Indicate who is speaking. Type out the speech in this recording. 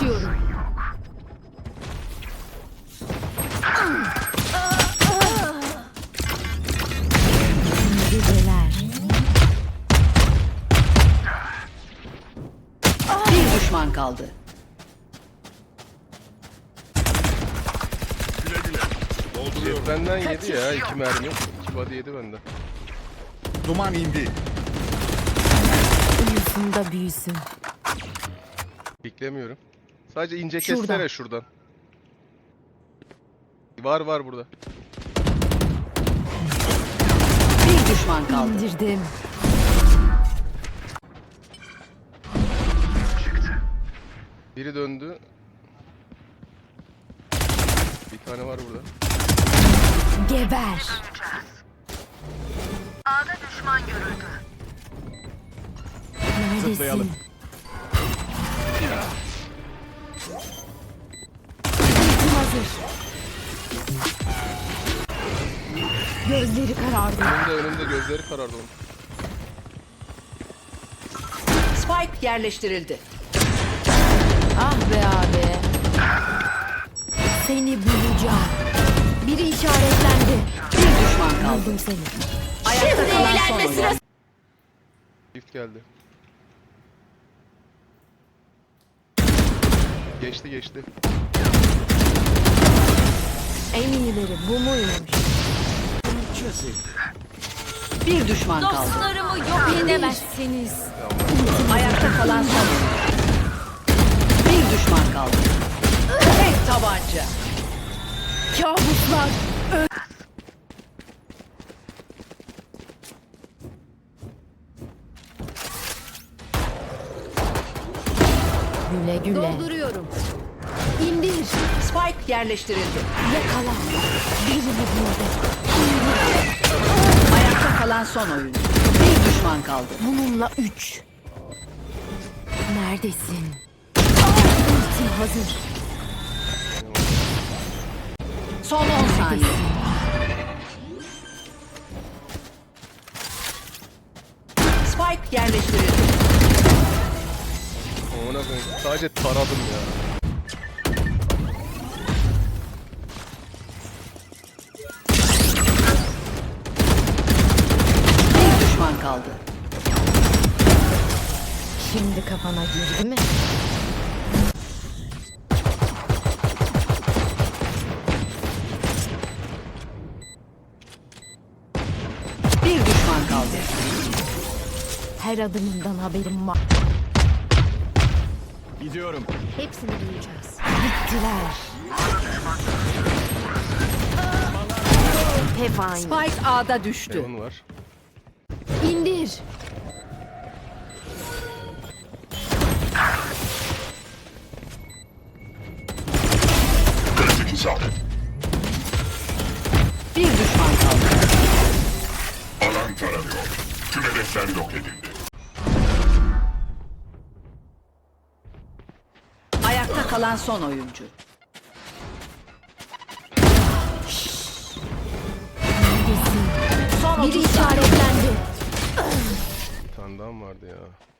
Speaker 1: Kaçıyorum. Geceler.
Speaker 2: Bir düşman kaldı.
Speaker 3: Güle güle. Dolduruyorum.
Speaker 4: Benden yedi ya 2 mermi. 2 body yedi benden.
Speaker 3: Duman indi.
Speaker 1: Uyusun da büyüsün.
Speaker 4: Beklemiyorum. Sadece ince
Speaker 1: Şuradan.
Speaker 4: kessene şuradan. Var burada.
Speaker 2: Bir düşman kaldı.
Speaker 1: İndirdim.
Speaker 4: Biri döndü. Bir tane var burada.
Speaker 1: Geber.
Speaker 5: A'da düşman görüldü.
Speaker 1: Neredesin?
Speaker 3: Zıplayalım.
Speaker 1: Ultim hazır. Gözleri karardı.
Speaker 4: Önümde gözleri karardı onun.
Speaker 2: Spike yerleştirildi.
Speaker 1: Ah be abi. Seni bulacağım. Biri işaretlendi.
Speaker 2: Bir düşman kaldı.
Speaker 1: Aldım seni.
Speaker 2: Ayakta kalan son oyuncu.
Speaker 4: Shift geldi. Geçti.
Speaker 1: En iyileri bu muymuş?
Speaker 2: Bir düşman kaldı.
Speaker 1: Dostlarımı yok edemezsiniz.
Speaker 2: Ayakta kalan son oyuncu. Bir düşman kaldı. Tek tabanca.
Speaker 1: Kabuslar. Güle güle. Dolduruyorum. İndir.
Speaker 2: Spike yerleştirildi.
Speaker 1: Yakala. Birini buldu.
Speaker 2: Ayakta kalan son oyuncu. Bir düşman kaldı.
Speaker 1: Bununla 3. Neredesin? Ultim hazır.
Speaker 2: Son 10 saniye. Spike yerleştirildi.
Speaker 4: Ona koyayım. Sadece taradım ya.
Speaker 2: Bir düşman kaldı.
Speaker 1: Şimdi kafana girdi mi?
Speaker 2: Bir düşman kaldı.
Speaker 1: Her adımından haberim var.
Speaker 3: Gidiyorum.
Speaker 1: Hepsini duyacağız. Bittiler. Hep aynı.
Speaker 2: Spike A'da düştü.
Speaker 4: Heaven var.
Speaker 1: İndir.
Speaker 3: Kritik isabet.
Speaker 2: Bir düşman kaldı.
Speaker 3: Alan taranıyor. Tüm hedefler yok edildi.
Speaker 2: Ayakta kalan son oyuncu.
Speaker 1: Neredesin?
Speaker 2: Son
Speaker 1: Biri
Speaker 2: 30 saniye.
Speaker 1: işaretlendi.
Speaker 4: Bir tane daha mı vardı ya?